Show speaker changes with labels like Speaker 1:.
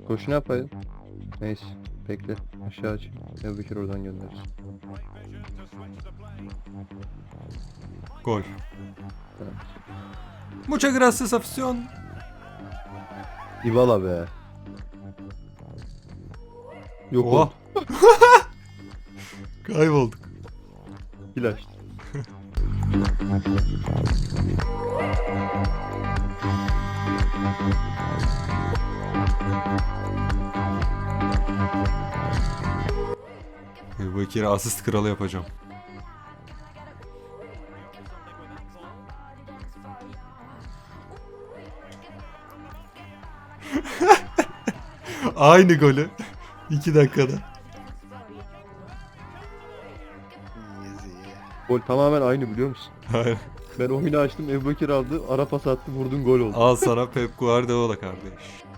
Speaker 1: Koşu ne yapayım? Neyse. Bekle. Aşağı aç. Ebu Bekir oradan göndeririz.
Speaker 2: Gol.
Speaker 1: Evet.
Speaker 2: Muchas gracias afición.
Speaker 1: Dybala be. Yok
Speaker 2: Oha.
Speaker 1: oldu.
Speaker 2: Kaybolduk.
Speaker 1: İlaç.
Speaker 2: Bu ikili asist kralı yapacağım. Aynı golü. 2 dakikada.
Speaker 1: Gol tamamen aynı biliyor musun?
Speaker 2: Hayır.
Speaker 1: Ben oyunu açtım, Ebu Bekir aldı, ara pas attı, vurdun gol oldu.
Speaker 2: Al sana Pep Guardiola kardeş.